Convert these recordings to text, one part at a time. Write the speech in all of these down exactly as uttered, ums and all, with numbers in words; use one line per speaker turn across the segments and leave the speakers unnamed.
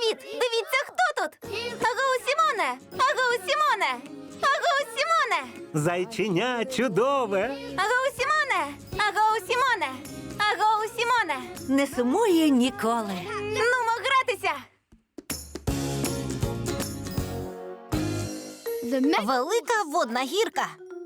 Привіт! Дивіться, хто тут! Агоу, Сімоне! Агоу, Сімоне! Агоу, Сімоне!
Зайченя чудове.
Агоу, Сімоне! Агоу, Сімоне! Агоу, Сімоне!
Не сумує ніколи.
Нумо гратися! Велика водна гірка.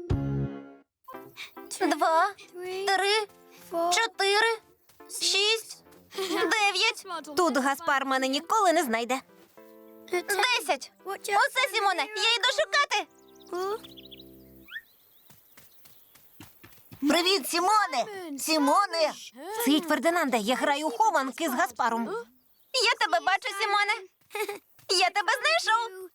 Два, три, чотири, шість, дев'ять.
Тут Гаспар мене ніколи не знайде.
Десять! Усе, Сімоне, я йду шукати!
Привіт, Сімоне! Сімоне!
Цить, Фердинанде, я граю у хованки з Гаспаром.
Я тебе бачу, Сімоне! Я тебе знайшов!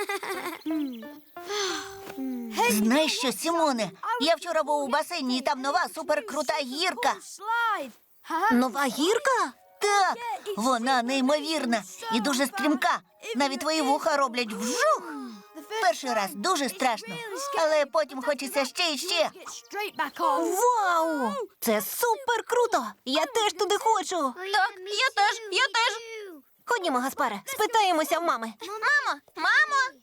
Знаєш що, Сімоне? Я вчора був у басейні, і там нова суперкрута гірка.
Нова гірка?
Так, вона неймовірна і дуже стрімка. Навіть твої вуха роблять вжух. Перший раз дуже страшно, але потім хочеться ще і ще.
Вау! Це супер круто! Я теж туди хочу.
Так, я теж, я теж!
Ходімо, Гаспаре, спитаємося в мами.
Мамо, мамо!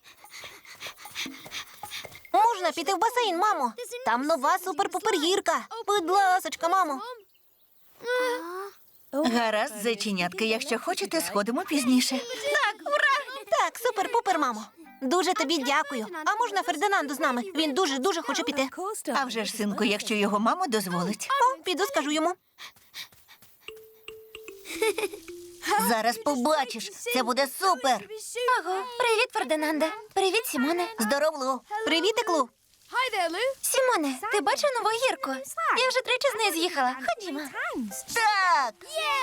Можна піти в басейн, мамо? Там нова супер-пупер гірка. Будь ласочка, мамо.
Гаразд, зайченятки, якщо хочете, сходимо пізніше.
Так, ура!
Так, супер-пупер, мамо. Дуже тобі дякую. А можна Фердинанду з нами? Він дуже-дуже хоче піти.
А вже ж, синку, якщо його мама дозволить.
О, піду, скажу йому.
Зараз побачиш, це буде супер.
Аго, привіт, Фердинанде. Привіт, Сімоне.
Здоров, Лу.
Привіт, Еклу.
Сімоне, ти бачив нову гірку? Я вже тричі з неї з'їхала. Ходімо.
Так,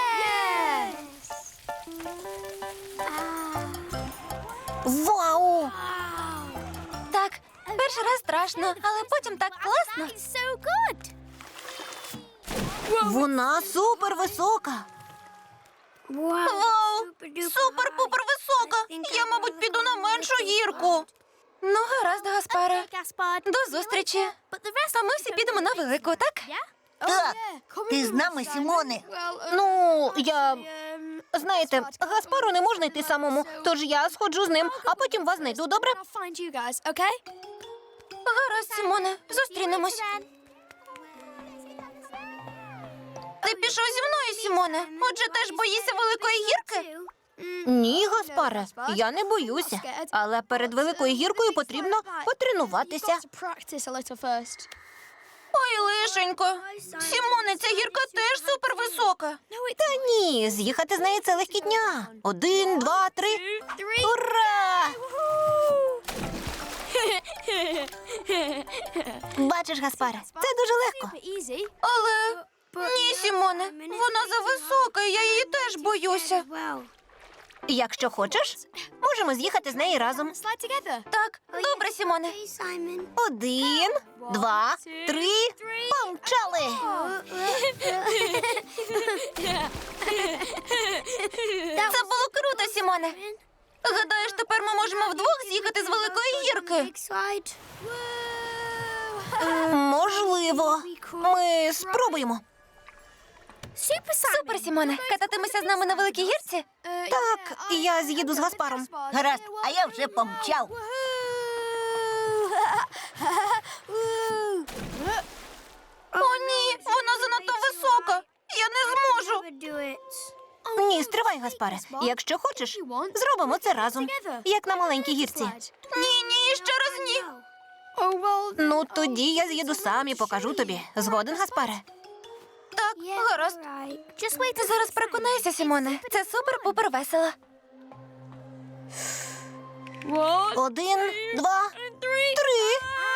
Вау!
Так, перший раз страшно, але потім так класно.
Вона супер висока.
Вау! Супер-пупер висока! Я, мабуть, піду на меншу гірку. Ну, гаразд, Гаспаре. До зустрічі. А ми всі підемо на велику, так?
так. Ти з нами, Сімоне?
Ну, я... Знаєте, Гаспару не можна йти самому, тож я сходжу з ним, а потім вас знайду, добре?
Гаразд, Сімоне, зустрінемось. Ти пішов зі мною, Сімоне? Отже, теж боїшся великої гірки?
Ні, Гаспаре, я не боюся. Але перед великою гіркою потрібно потренуватися.
Ой, лишенько. Сімоне, ця гірка теж супервисока.
Та ні, з'їхати з неї це легкітня. Один, два, три. Ура! Бачиш, Гаспаре, це дуже легко.
Але... Ні, Сімоне, вона зависока, і я її теж боюся.
Якщо хочеш, можемо з'їхати з неї разом.
Так, добре, Сімоне.
Один, два, три, помчали!
Це було круто, Сімоне. Гадаєш, тепер ми можемо вдвох з'їхати з великої гірки?
Можливо. Ми спробуємо.
Супер, Сімоне. Кататимешся з нами на великій гірці?
Так, я з'їду з Гаспаром.
Гаразд, а я вже помчав.
О, ні, вона занадто висока. Я не зможу.
Ні, стривай, Гаспаре. Якщо хочеш, зробимо це разом, як на маленькій гірці.
Ні, ні, ще раз ні.
Ну, тоді я з'їду сам і покажу тобі. Згоден, Гаспаре?
Так, гаразд. Ти зараз переконайся, Сімоне. Це супер-пупер весело.
Один, два, три.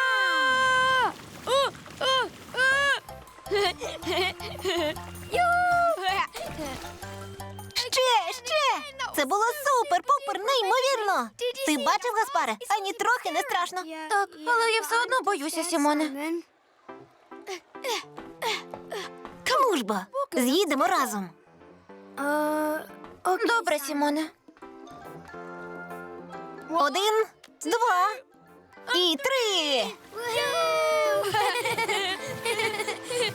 Ще, ще! Це було супер-пупер, неймовірно! Ти бачив, Гаспаре? Ані трохи не страшно.
Так, але я все одно боюся, Сімоне.
Ну ж бо, з'їдемо разом.
Добре, Сімоне.
Один, два і три.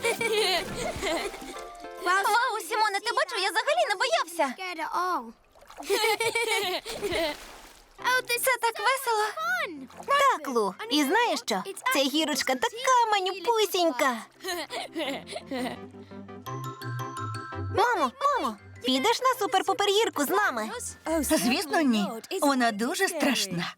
Вау, Сімоне, ти бачив, я взагалі не боявся. Це так весело.
Так, Лу, і знаєш що? Ця гірочка така манюпусінька. Мамо, мамо, підеш на супер-пупер гірку з нами?
Звісно, ні. Вона дуже страшна.